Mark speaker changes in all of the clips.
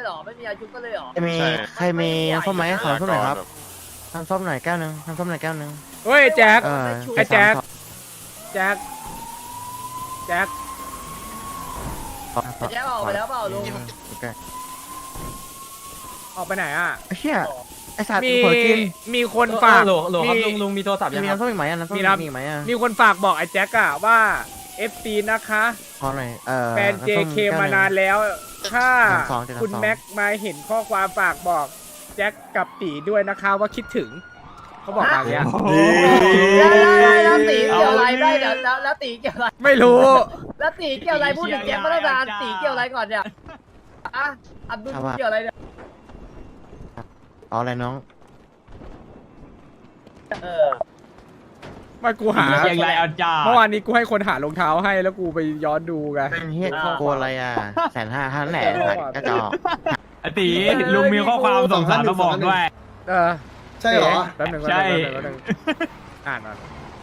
Speaker 1: รอไม่มีอายุก็เลยหรอ
Speaker 2: ใครมีน้ำส้มไหมขอน้ำส้มหน่อยครับน้ำส้มหน่อยแก้วนึงน้ำส้มหน่อยแก้วนึง
Speaker 3: เฮ้ยแจ็ค ไอ้แจ็ค
Speaker 2: 732
Speaker 3: แจ็คแจ็ค
Speaker 1: แจ็คออกไปแล้วเปล่าลุง
Speaker 2: โอเค
Speaker 3: ออกไปไหนอ่ะ
Speaker 2: ไอ้เหี้ยไอ้สัตว์
Speaker 3: มี
Speaker 2: เผลอกิน
Speaker 3: มีคนฝาก
Speaker 4: โหลครับลุงมีโทรศัพท์ยัง
Speaker 2: มี
Speaker 4: ครับ
Speaker 2: น้ำส้มอีกไหมน้ำส้ม
Speaker 3: มี
Speaker 2: มี
Speaker 3: ครับ
Speaker 2: อีกไหมอ่ะ
Speaker 3: มีคนฝากบอกไอ้แจ็คอะว่า FC นะคะ
Speaker 2: ขอหน่อย
Speaker 3: แฟน
Speaker 2: น้ำส้ม
Speaker 3: JK
Speaker 2: แก้วหง
Speaker 3: มานานแล้ว ถ้า
Speaker 2: 732
Speaker 3: คุณแม็กมาเห็นข้อความฝากบอกแจ็คกับตีด้วยนะคะว่าคิดถึง เขาบอกมาอย่างเงี้ย
Speaker 1: แล้วตีเกี่ยวอะไรได้เดี๋ยวแล้วตีเกี่ยวอะไร
Speaker 3: ไม่รู้
Speaker 1: แล้วตีเกี่ยวอะไรพูดถึงแจ็คมาตั้งนานตีเกี่ยวอะไรก่อนเนี่ยอ่ะอับดุลเกี่ยวอะไรเนี่ย
Speaker 2: เอาอะไรน้อง
Speaker 3: มากูหา
Speaker 4: อย่างไรเอาจ้า
Speaker 3: เมื่อวานนี้กูให้คนหารองเท้าให้แล้วกูไปย้อนดูไง
Speaker 2: เป็นเฮียโกอะไรอ่ะ150,000ท่านแหละกระจอก
Speaker 4: ไอตีลุงมีข้อความส่งสารมาบอกด้วย
Speaker 3: เออ
Speaker 5: ใช่เหรอ
Speaker 3: แป๊บหนึง
Speaker 4: ใช่
Speaker 3: แป๊บหนึงอ่านก่อน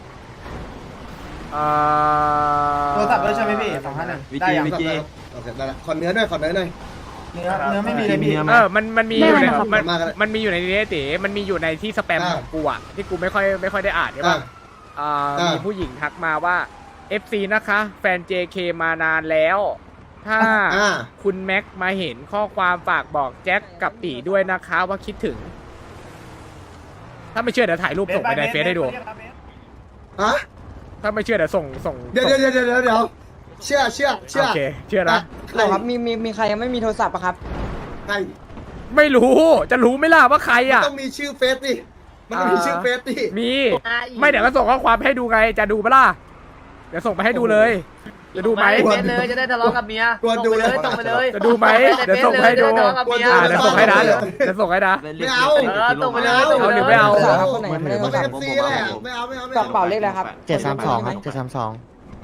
Speaker 6: โทรศัพท์ด้วยใช่ไหมพี่251ได้ยัง
Speaker 4: วิกิ
Speaker 5: โอเคได้ละขอเนื้อหน่อยขอเนื้อหน่อย
Speaker 6: เนื้อไม่มีเลยพี่
Speaker 3: มันมีอยู่ใน
Speaker 5: ได้ครับ
Speaker 3: มันมีอยู่ในนี้ติมันมีอยู่ในที่สแปมของกูอะที่กูไม่ค่อยได้อ่านใช่ป่ะมีผู้หญิงทักมาว่า FC นะคะ แฟน JK มานานแล้ว ถ้าคุณแม็กมาเห็นข้อความฝากบอกแจ็คกับตีด้วยนะคะว่าคิดถึง ถ้าไม่เชื่อเดี๋ยวถ่ายรูปส่งไปในเฟซให้ดู
Speaker 5: ฮะ
Speaker 3: ถ้าไม่เชื่อเดี๋ยวส่ง
Speaker 5: เดี๋ยวเชื่อ
Speaker 3: โอเคเชื่อนะ
Speaker 5: ใคร
Speaker 7: ครับมีใครยังไม่มีโทรศัพท์อะครับ
Speaker 5: ใคร
Speaker 3: ไม่รู้จะรู้ไหม่ล่ะว่าใครอ่ะ
Speaker 5: ต้องมีชื่อเฟซดิมันต้องมีชื่อเฟซดิ
Speaker 3: มีไม่เดี๋ยวก็ส่งข้อความให้ดูไงจะดูปะล่ะเดี๋ยวส่งไปให้ดูเลยจะดูไหม
Speaker 1: เฟซเลยจะได้ทะเลาะกับเมียส่งไปเลย
Speaker 3: จะดูไหมเดี๋ยวส่งให้ดู
Speaker 1: ทะเลาะกับเมีย
Speaker 3: เดี๋ยวส่งให้นะเดี๋ยวส่งให้นะ
Speaker 5: ไม่เอา
Speaker 1: ส่งไปเลย
Speaker 3: เอาหรือไม่เอา
Speaker 7: ครับคนไหนยังไม่ได้โท
Speaker 5: มั
Speaker 7: ร
Speaker 5: นเป็น
Speaker 7: ศัพ
Speaker 5: เอ
Speaker 7: ท์
Speaker 5: ฟซีแหละไม่เอา
Speaker 7: กระเป๋าเลขอะไรครับ
Speaker 2: 732ครับ732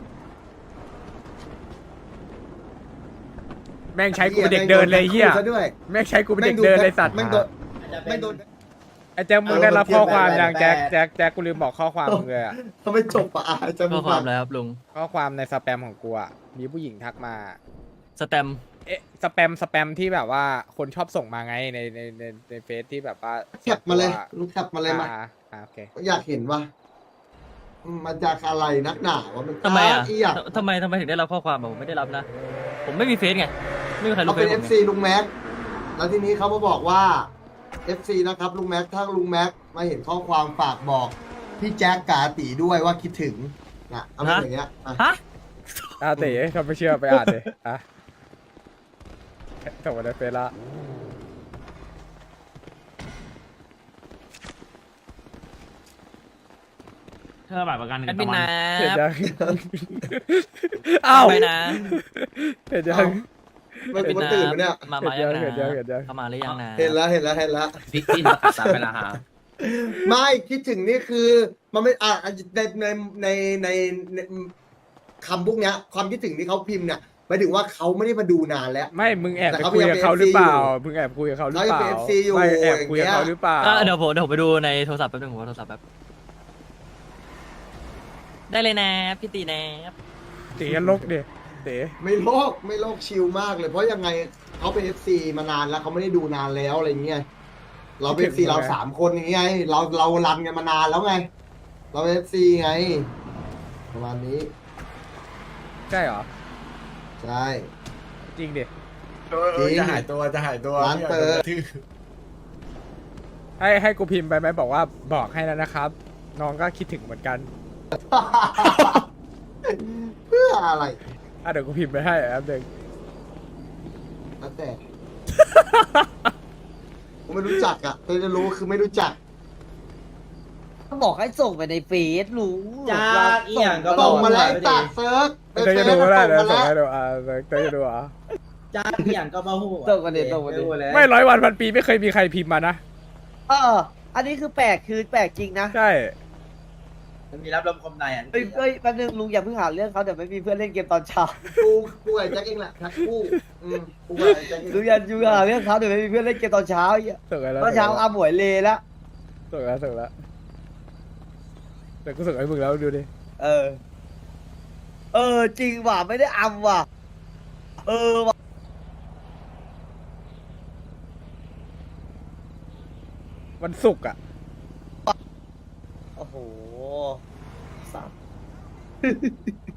Speaker 3: แม่งใช้กูเป็นเด็กเดินเลยเฮีย
Speaker 5: ด้วย
Speaker 3: แม่งใช้กูเป็นเด็กเดินเลยสัตว์
Speaker 5: แม่งโดน
Speaker 3: ไอ้แจ็คมึงได้รับข้อความยังแจ็คกูลืมบอกข้อความมึงเลยอะ
Speaker 5: ทำไมจบอ่ะจะ
Speaker 4: ข้อความอะไรครับลุง
Speaker 3: ข้อความในสแปมของกูอะมีผู้หญิงทักมา
Speaker 4: สแตม
Speaker 3: สแปมที่แบบว่าคนชอบส่งมาไงในเฟซที่แบบว่า
Speaker 5: แคปมาเลยลูกแคปมาเลยมา
Speaker 3: โอเค
Speaker 5: อยากเห็นว่ามันจากอะไรนักหนาวะมัน
Speaker 4: ทำไมอ่ะ
Speaker 5: อยาก
Speaker 4: ทำไมถึงได้รับข้อความผมไม่ได้รับนะ ผมไม่มีเฟซไงไม่มีใคร
Speaker 5: เขา
Speaker 4: รู้เฟ
Speaker 5: เป็
Speaker 4: ซ
Speaker 5: น
Speaker 4: ผม
Speaker 5: FC ลุงแม็กแล้วทีนี้เขามาบอกว่า FC นะครับลุงแม็กถ้าลุงแม็กมาเห็นข้อความฝากบอกพี่แจ็คกาตีด้วยว่าคิดถึงนะเอาเป็นอย่างเงี้ยอ่ะ
Speaker 4: ฮะ
Speaker 3: เต๋ถ้าไม่เชื่อไปอ่านเลยส่งมาในเฟซละ
Speaker 4: เธอแบบประกัน
Speaker 7: แอดมินนะ
Speaker 3: เห็นยังอ้าว
Speaker 7: ไปนะ
Speaker 3: เห็นยัง
Speaker 5: มันกูตื่นมาเนี่ย
Speaker 7: มา
Speaker 3: เห็
Speaker 7: ยั
Speaker 3: น
Speaker 7: ง
Speaker 3: ยัง
Speaker 7: นะ
Speaker 3: เห็นยัง
Speaker 7: เข้ามาหรือยังนะ
Speaker 5: เห็นแล้ว
Speaker 7: พี่มาตัดสายไปละฮะ
Speaker 5: ไม่คิดถึงนี่คือมันไม่ในคำพวกเนี้ยความคิดถึงที่เขาพิมพ์เนี่ยหมายถึงว่าเขาไม่ได้มาดูนานแล้ว
Speaker 3: ไม่มึงแอบ
Speaker 5: แต่
Speaker 3: ไป
Speaker 5: เขา
Speaker 3: คุยกับเขาหรือเปล่า
Speaker 5: ยังเป็น FC
Speaker 3: มึงแอบคุยกับเขาหรือ
Speaker 5: เขา
Speaker 3: เป
Speaker 5: ยัง
Speaker 3: ล่า
Speaker 5: เป็น FC อยู่
Speaker 3: ไม่แอบคุยกับเขาหรือเปล่า
Speaker 4: เดี๋ยวผมไปดูในโทรศัพท์แป๊บนึงผมเอาโทรศัพท์แป๊บ
Speaker 7: ได้เลยนะพี่ตีนะ
Speaker 3: เต๋ลกดิเต๋
Speaker 5: ไม่โลกชิลมากเลย เพราะยังไงเขาเป็น FC มานานแล้วเขาไม่ได้ดูนานแล้วอะไรเงี้ยเราเป็น FC เรา3 คนอย่างเงี้ยเรารันกันมานานแล้วไง เราเป็น FC ไง ประมาณนี้
Speaker 3: ใช่เหรอ
Speaker 5: ใช่
Speaker 3: จริงดิ
Speaker 5: จริง
Speaker 6: จะหายตัว
Speaker 5: ร้านเปิด
Speaker 3: ให้กูพิมพ์ไปไหมบอกว่าบอกให้แล้วนะครับ น้องก็คิดถึงเหมือนกัน
Speaker 5: เพื่ออะไร
Speaker 3: เดี๋ยวกูพิมพ์ไปให้แป๊บนึง
Speaker 5: แล้วแต่ ผมไม่รู้จักอ่ะแต่จะรู้คือไม่รู้จัก
Speaker 1: บอกให้ส่งไปในเฟซรู้
Speaker 6: จ้าอีหยังก็
Speaker 5: ส่งมาแล้วตัดเซิร์ฟ
Speaker 3: เดี๋ยวจะดูก็ได้เดี๋ยว
Speaker 5: ส่
Speaker 3: ส่
Speaker 5: ง
Speaker 3: ง
Speaker 5: มา
Speaker 3: ให้
Speaker 5: แล้ว
Speaker 3: ดูเดี๋ยวจะดูอ่ะ
Speaker 6: จ้าอีหยังก็มาหู
Speaker 1: ส่งมาดิส่งมาดิ
Speaker 3: ไม่100 วันพันปีไม่เคยมีใครพิมพ์มานะ
Speaker 1: อันนี้คือแปลกจริงนะ
Speaker 3: ใช่
Speaker 6: มันมีรับลมคมในอ่ะ
Speaker 1: เฮ้ยแป๊บนึงลุงอย่าเพิ่งหาเรื่องเขาเดี๋ยวไม่มีเพื่อนเล่นเกมตอนเช้า
Speaker 5: กูไอ้แจ็คเองแหละทักกูกูไอ้แจ็คเอง
Speaker 1: ลุงอย่าหาเรื่องเขาเดี๋ยวไม่มีเพื่อนเล่นเกมตอนเช้าไอ้เหี้ย
Speaker 3: ส่งให้แล้ว
Speaker 1: ตอนเช้าอาหมวยเลแล้ว
Speaker 3: ส่งแล้วเดี๋ยวกูส่งให้มึงแล้วดูดิ
Speaker 1: จริงว่ะไม่ได้อำว่ะว่ะ
Speaker 3: วันศุกร์อ่ะ
Speaker 1: โอ้โหสับ